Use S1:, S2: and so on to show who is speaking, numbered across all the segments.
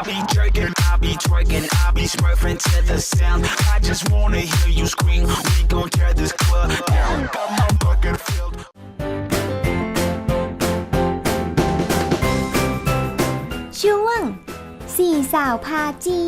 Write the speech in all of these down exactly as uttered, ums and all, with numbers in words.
S1: be jerking, I be twerking, I be smurfing to the sound. I just wanna hear you scream. We gon' tear this club down. Got my bucket filled.
S2: ช่วงสี่สาวพาจี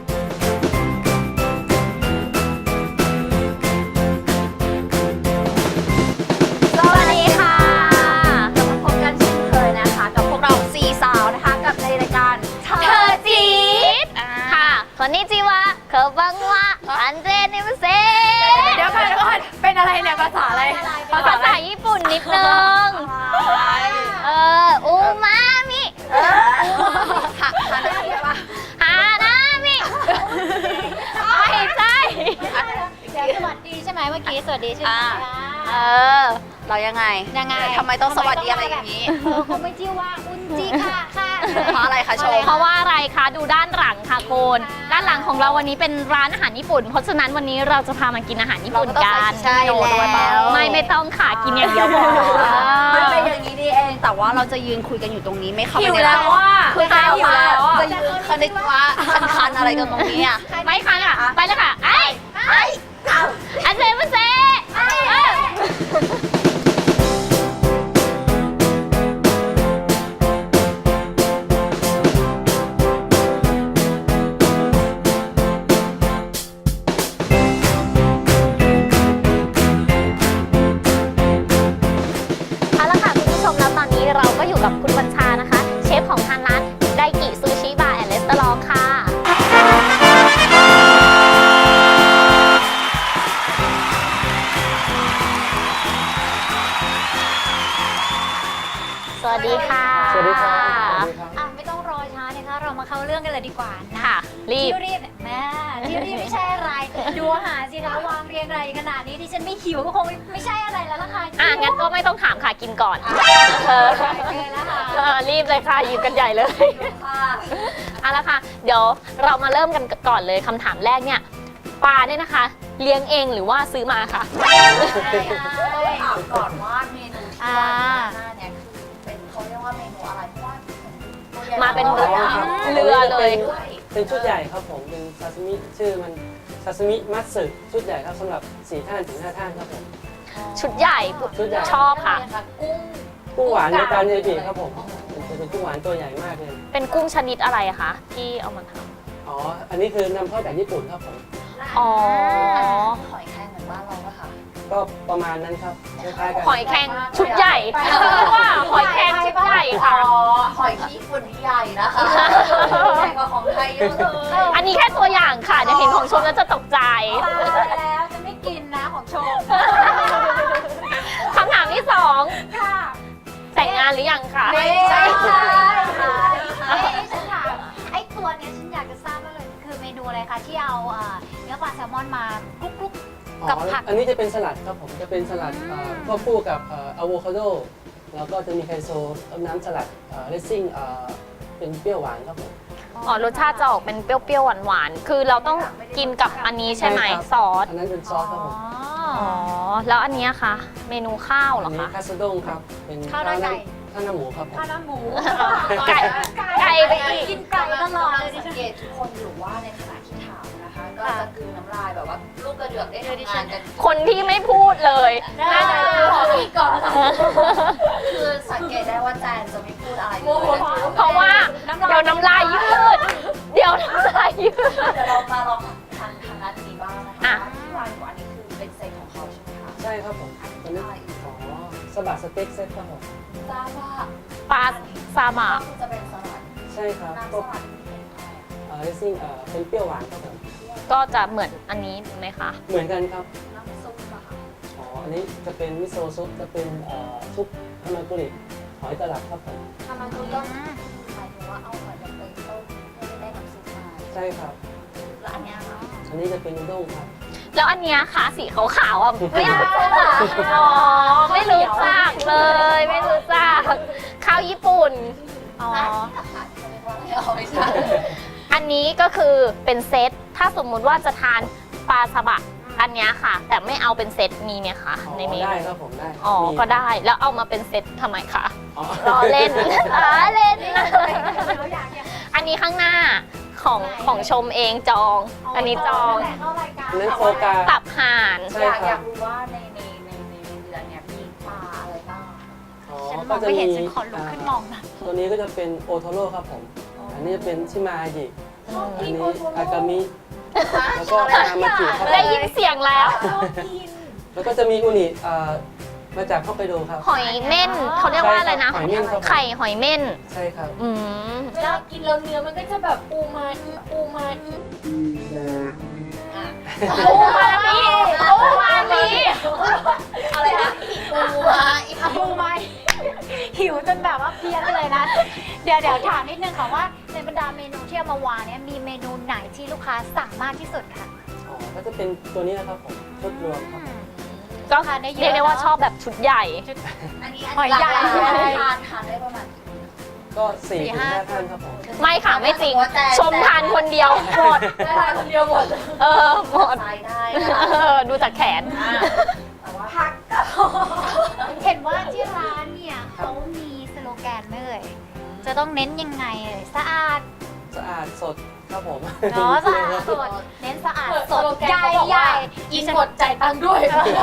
S3: สวัสดีค่ะกลับมาพบกันเช่นเคยนะคะกับพวกเราสี่สาวนะคะกับในรายการเธอจี๊ดค่ะคนนี้จีวะเคอบังวะอันเจนิมเซเดี๋ยวก่อนเดี๋ยวก่อนเป็นอะไรเนี่ยภาษาอะไรภาษาญี่ปุ่นนิดนึงเอออูมามิฮาฮานามิปะฮานามิไม่ใช่สวัสดีใช่ไหมเมื่อกี้สวัสดีใช่ไหมเออเรายังไงยังไงทำไมต้องสวัสดีอะไรอย่างนี้เออเขาไม่ชื่อว่าอุนจิค่ะค่ะเพราะอะไรคะชมเพราะว่าอะไรคะดูด้านหลังค่ะคุณด้านหลังของเราวันนี้เป็นร้านอาหารญี่ปุ่นเพราะฉะนั้นวันนี้เราจะพามากินอาหารญี่ปุ่นกันใช่แล้วไม่ไม่ต้องค่ะกินอย่างเดียวพอมันเป็นอย่างนี้ดีเองแต่ว่าเราจะยืนคุยกันอยู่ตรงนี้ไม่เข้าไปในร้านคือจะอยู่แล้วจะยืนคณิตว่าคันๆอะไรกันตรงนี้อ่ะไม่คันอ่ะไปเลยค่ะไอ้ไอ้อาเซมาเซเราก็อยู่กับคุณบัญชานะคะเชฟของทางร้านไดกิซูชิบาร์แอนด์รีสอร์ทค่ะสวัสดีค่ะ
S4: สวัสดีครับ
S3: อ่ะไม่ต้องรอช้านะคะเรามาเข้าเรื่องกันเลยดีกว่านะ
S4: ค่ะ
S3: รีบรีบแม่ที่รีบไม่ใช่อะไรดูอาหารสิคะวางเรียงรายขนาดนี้ที่ฉันไม่หิวก็คงไม่ใช่อะไรแล้วล่ะค่ะ
S4: อ่ะงั้นก็ไม่ต้องถามค่ะกินก่อนเออรีบเลยค่ะหยิบกันใหญ่เลยเอาละค่ะเดี๋ยวเรามาเริ่มกันก่อนเลยคำถามแรกเนี่ยปลาเนี่ยนะคะเลี้ยงเองหรือว่าซื้อมาคะ
S3: ถามก่อนว่าเมนูที่ว่าหน้าเนี่ยเป็นเขาเรียกว่าเมนูอะไรเพราะว่า
S4: มาเป็นเรือเรือเลย
S5: เป็นชุดใหญ่ครับผมเป็นซาซิมิชื่อมันซาซิมิมัตสึชุดใหญ่ครับสำหรับสี่ท่านถึงห้าท่านครับผม
S4: ชุดใหญ่ชอบค่ะ
S5: กุ้งกุ้งหวานในตาเนจิครับผมเป็นกุ้งหวานตัวใหญ่มากเลย
S4: เป็นกุ้งชนิดอะไรคะที่เอามาท
S5: ำอ๋ออันนี้คือนำเข้าจากญี่ปุ่นครับผม
S4: อ๋อ
S3: หอยแครงเหมือนบ้านเราปะคะ
S5: ก็ประมาณนั้นครับคล้ายๆกัน
S4: หอยแครงชุดใหญ่ว่าหอยแครงชุดใหญ่ค่ะ
S3: หอยขี้ฝุ่นใหญ่นะคะใหญ่กว่าของไทยเยอะเลย
S4: อันนี้แค่ตัวอย่างค่ะเดี๋ยวเห็นของชมแล้วจะตกใจ
S3: แล้วจะไม่กินนะของชม
S4: คำถามที่สอง
S3: ค่ะ
S4: แต่งงานหรือยังคะ
S3: ไม่ใช่ค่ะไอ้ฉันถามไอ้ตัวนี้ฉันอยากจะทราบว่าเลยคือเมนูอะไรคะที่เอาเนื้อปลาแซลมอนมาคลุกกับผัก
S5: อันนี้จะเป็นสลัดครับผมจะเป็นสลัดควบคู่กับอะโวคาโดแล้วก็จะมีไคโซต้มน้ำสลัดเรซซิ่งเป็นเปรี้ยวหวานครับผม
S4: อ๋อรสชาติจะออกเป็นเปรี้ยวๆหวานๆคือเราต้องกินกับอันนี้ใช่ไหมซอส
S5: อันนั้นเป็นซอสครับผม
S4: อ๋อแล้วอันนี้คะเมนูข้าวเหรอคะ
S5: คาสด้งครับเป็นข้าวหน้าไก่ข้าวหน้าหมูครับผม
S3: ข้าวหน้าหมู
S4: ไก่ไก่ไปอีก
S3: กินไก่ตลอดเลยสังเกตทุกคนอยู่ว่าในขณะที่ถามนะคะก็จะกลืนน้ำลายแบบว่าลูกกระเดือกได้ทำงานกัน
S4: คนที่ไม่พูดเลยน่าจะ
S3: ขอพี่ก่อนคือสังเกตได้ว่าแจนจะไม่พูดอะไร
S4: เพราะว่าเดี๋ยวน้ำลายยืดเดี๋ยวน้ำลายยืด
S3: เดี๋ยวเรามาลองทานทางด้านนี้บ้างนะคะที่วางอยู่อันนี้คือเป็นเซตของเขาใช่ไหมคะ
S5: ใช่ครับผมอันนี้อ๋อสบัดสเต็กเซตครับผม
S3: ซาบะ
S4: ปลาซาบะ
S3: จะเป็นสลัด
S5: ใช่ครับก็เออเรซซิ่งเออเป็นเปรี้ยวหวานครับผม
S4: ก็จะเหมือนอันนี้ไหมคะ
S5: เหมือนกันครับ
S3: น้ำซุปอะค่ะ
S5: อ๋ออันนี้จะเป็นมิโซะซุปจะเป็นซุปฮามากุริหอยตลับครับผม
S3: ฮามากุริก็หมายถึงว่าเอาหอยแบบไปต้มเพื่อได้น้ำซุปมา
S5: ใช่ครับ
S3: แล้วอันนี้ค่ะ
S5: อันนี้จะเป็นนูด้งครับ
S4: แล้วอันนี้ค่ะสีขาวๆอ่ะไม่รู้จักอ๋อไม่รู้จักเลยไม่รู้จักข้าวญี่ปุ่นอ๋ออันนี้ก็คือเป็นเซตถ้าสมมุติว่าจะทานปลาซาบะอันนี้ค่ะแต่ไม่เอาเป็นเซตมีไหมคะในเมนู
S5: ได้ครับผมได้
S4: อ๋อก็ได้แล้วเอามาเป็นเซตทำไมคะล้อเล่นล้อเล่นอันนี้ข้างหน้าของของชมเองจอง อันนี้จอง
S5: อันนั้นโฟกา
S4: ตับห่าน
S5: ใช่
S3: อยาก
S5: ค
S3: อ
S5: รั
S3: ยา
S5: บ
S3: กรู้ว่าในในในในเรือเนี่ยมีปลาอะไรบ้าง
S5: อ๋อ
S2: ฉันม
S5: ก็
S2: อง
S5: จะ
S2: ไม่
S5: มี
S2: เห็นฉันขอลุกขึ้นมองนะ
S5: ตัวนี้ก็จะเป็นโอโทโร่ครับผม อันนี้จะเป็นชิมาอายิอันนี้อากามิ แล้วก็นามาจิครับ
S4: ได้ยินเสียงแล้ว
S5: แล้วก็จะมีอุนิอ่ามาจากฮอกไกโดครับ
S4: หอยเม่นเขาเรียกว่าอะไรนะ
S5: หอยเม่นครับผม
S4: ไข่หอยเม่น
S5: ใช่ครับ
S4: อืม
S3: เวลากินแล้วเนื้อมันก็จะแบบปูมาปูมาอ่ะ
S4: ปูมามีปูมามี
S3: อะไรนะปูมาอีก
S2: ปูไหมหิวจนแบบว่าเพี้ยนเลยนะ เดี๋ยวเดี๋ยวถามนิดนึงค่ะว่าในบรรดาเมนูที่เอามาวางเนี่ยมีเมนูไหนที่ลูกค้าสั่งมากที่สุดคะ
S5: อ๋อ ก็จะเป็นตัวนี้นะครับผม ชุดรวมครับ
S4: ก็
S2: ทานได้เยอะ
S4: เรียกได้ว่าชอบแบบชุดใหญ่
S3: อันนี้
S2: หอยใหญ่
S3: ทานทานได้ประมาณ
S5: ก็สี่ถึงห้าท่านครับผม
S4: ไม่ค่ะไม่จริง ชมทานคนเดียวหมด
S3: ได้ทานคนเดียวหมด
S4: เออหมด
S3: ทายได้
S4: เออดูจากแขน
S3: แต่ว่าผักก็
S2: เห็นว่าที่ร้านเนี่ยเขามีสโลแกนไหมเอ่ยจะต้องเน้นยังไงเอ่ยสะอาด
S5: สะอาดสดครับผม
S2: เนาะสะอาดสดเน้นสะอาดสดใหญ่ใหญ่
S3: กินหมดจ่ายตังค์ด้วย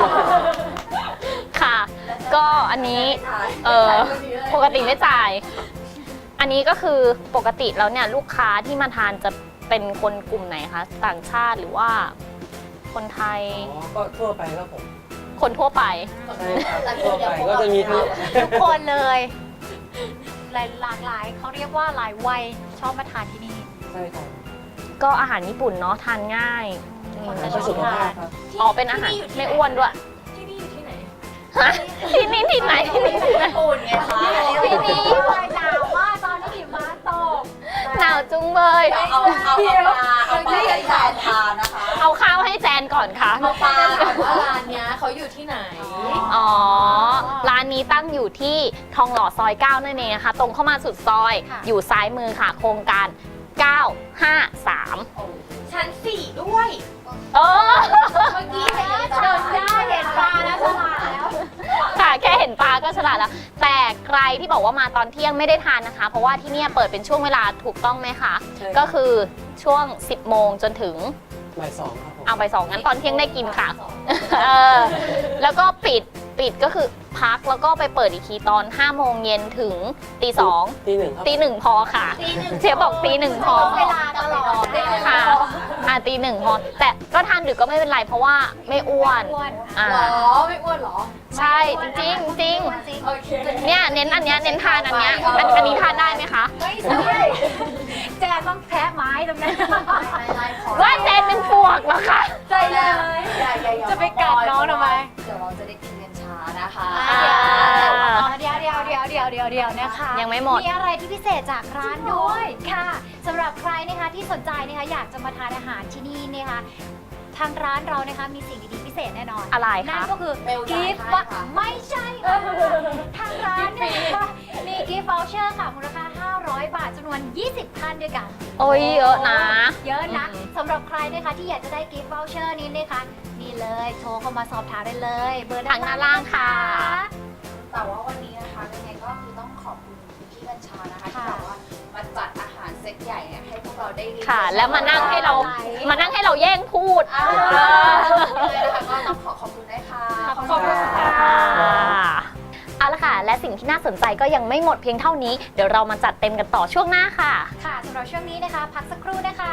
S4: ค่ะ ก็อันนี้เออปกติไม่จ่าย อันนี้ก็คือปกติแล้วเนี่ยลูกค้าที่มาทานจะเป็นคนกลุ่มไหนคะ ต่างชาติหรือว่า คนไทย
S5: อ๋อ ก็ทั่วไปครับผม
S4: คนทั่วไป
S5: ใช่ครับทั่วไปก็จะมีทั้ง
S2: ทุกคนเลยหลายหลากหลายเขาเรียกว่าหลายวัยชอบมาทานที่นี่
S5: ใช่ครับ
S4: ก็อาหารญี่ปุ่นเนาะทานง่ายอืม
S5: อาหารเพื่อสุขภาพครับ
S4: อ๋อเป็นอาหารไม่อ้วนด้วย
S3: ที่นี่อยู่ที่ไหน
S4: ฮะที่นี่ที่ไหนที่นี่ที่ไหน
S3: ญี่ปุ่นไงคะ
S2: ที่นี่หนาวมากตอนนี้หิมะตก
S4: หนาวจุงเบย
S3: เอาเอาเอาปลาเอาปลาให้ทานทานนะคะ
S4: เอาข้าวให้แจนก่อนค่ะ
S3: เอาปลาถามว่าร้านเนี้ยเขาอยู่ที่ไหน
S4: อ๋อ ร้านนี้ตั้งอยู่ที่ทองหล่อซอยเก้านั่นเองนะคะ ตรงเข้ามาสุดซอย อยู่ซ้ายมือค่ะ โครงการ เก้าห้าสาม
S3: ชั้นสี่ด้วย
S4: เออ
S3: เมื่อกี้เห็น
S2: เดินได้เห็นปลาแล้วฉลาดแล้ว
S4: ค่ะ แค่เห็นปลาก็ฉลาดแล้ว แต่ใครที่บอกว่ามาตอนเที่ยงไม่ได้ทานนะคะ เพราะว่าที่เนี่ยเปิดเป็นช่วงเวลาถูกต้องไหมคะ
S5: ใช่ครับ
S4: ก็คือช่วง สิบโมงจนถึง
S5: บ่ายสองครับผม
S4: เอาไปสองงั้นตอนเที่ยงได้กินค่ะ เออ แล้วก็ปิด ปิดก็คือพักแล้วก็ไปเปิดอีกทีตอนห้าโมงเย็นถึงตีสอง
S5: ตีหนึ่งครับ
S4: ตีหนึ่งพอค่ะ เชฟบอกตีหนึ่งพอ
S2: เวลาตลอด
S4: ค่ะ อ่าตีหนึ่งพอ แต่ก็ทานดึกก็ไม่เป็นไรเพราะว่าไม่อ้วน
S2: อ้วน
S4: อ่า
S3: หรอไม่อ้วนหรอ
S4: ใช่จริงจริง
S2: จริง
S3: โอเค
S4: เนี่ยเน้นอันเนี้ยเน้นทานอันเนี้ยอันอันนี้ทานได้ไหมคะ
S2: ไม่ใช่แจนต้องแพ้ไม้ตรงนั้น
S4: ว่าเจนเป็นปวกเหรอคะ
S2: ใจเลย จะไปกัดน้องทำไม
S3: เดี๋ยวเราจะได้กินกันช้านะคะ
S4: อ่า
S2: เดี๋ยวเดี๋ยวเดี๋ยวเดี๋ยวเดี๋ยวเดี๋ยวนะคะ
S4: ยังไม่หมด
S2: มีอะไรที่พิเศษจากร้านด้วยค่ะสำหรับใครนะคะที่สนใจนะคะอยากจะมาทานอาหารที่นี่นะคะทางร้านเรานะคะมีสิ่งดีๆพิเศษแน่นอน
S4: อะไร
S2: นั่
S4: คะ
S2: นก็คือ
S3: เบลจ่าย
S2: กิฟต์
S3: ให้ค่ะ
S2: ไม่ใช่ค่ะทางร้านเนี่ยนะคะมีกิฟต์ voucher ค่ะมูลค่าห้าร้อยบาทจำนวนยี่สิบท่านด้วยกัน
S4: โอ้ยเยอะนะ
S2: เยอะนะ
S4: อืม
S2: สำหรับใครนะคะที่อยากจะได้กิฟต์ voucher นี้นะคะนี่เลยโทรเข้ามาสอบถามได้เลย เบอร์
S4: ทางด้านล่างค่ะ
S3: แต่ว่าวันนี้นะคะยังไงก็คือต้องขอบคุณพี่กัญชานะคะที่
S2: ค่ะ
S3: แบบว่ามาจัดอาหารเซตใหญ่เนี่ยให้พวกเราได้ริม
S4: ค่ะ แล้วมานั่งให้เรามานั่งให้เราแย่งพูด
S3: อ่า
S4: เออ
S3: เลยนะคะก็ต้องขอขอบคุณด้วยค่ะ
S2: ขอบคุณค่ะ
S4: เอาละค่ะ และสิ่งที่น่าสนใจก็ยังไม่หมดเพียงเท่านี้ เดี๋ยวเรามาจัดเต็มกันต่อช่วงหน้าค่ะ
S2: ค่ะสำหรับช่วงนี้นะคะ พักสักครู่นะคะ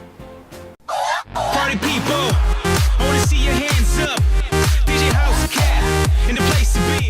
S1: Party people, I wanna see your hands up. D J House Cat in the place to be.